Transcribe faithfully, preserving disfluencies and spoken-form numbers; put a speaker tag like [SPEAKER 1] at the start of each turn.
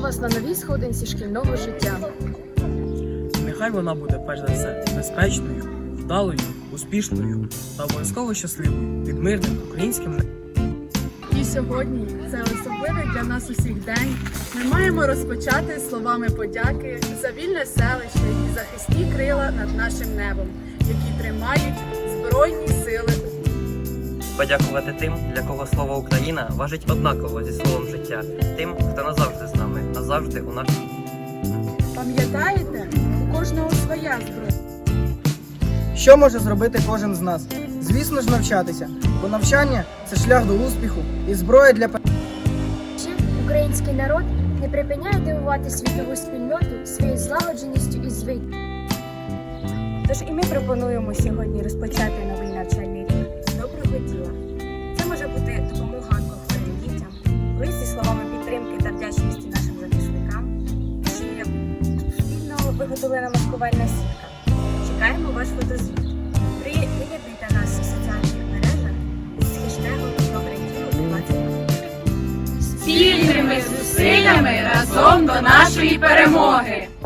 [SPEAKER 1] вас на новій сходинці шкільного життя.
[SPEAKER 2] Нехай вона буде перш за все безпечною, вдалою, успішною та обов'язково щасливою під мирним українським небом.
[SPEAKER 3] І сьогодні це особливий для нас усіх день. Ми маємо розпочати словами подяки за вільне селище і захисні крила над нашим небом, які тримають Збройні Сили.
[SPEAKER 4] Подякувати тим, для кого слово Україна важить однаково зі словом життя, тим, хто назавжди з нами, назавжди у нашій.
[SPEAKER 3] Пам'ятаєте, у кожного своя зброя.
[SPEAKER 5] Що може зробити кожен з нас? Звісно ж, навчатися, бо навчання – це шлях до успіху і зброя для
[SPEAKER 6] Ще український народ не припиняє дивувати світову спільноту своєю злагодженістю і звичаєю.
[SPEAKER 7] Тож і ми пропонуємо сьогодні розпочати новий навчальний рік з доброго діла. Це може бути допомога онкохворим дітям, лист зі словами підтримки та вдячності нашим захисникам, чи спільно виготовлена маскувальна сітка. Чекаємо ваш фотозвіт. Приєднуйте нас у соціальних мережах з хештегом «Добре діло двадцять».
[SPEAKER 3] Спільними зусиллями разом до нашої перемоги!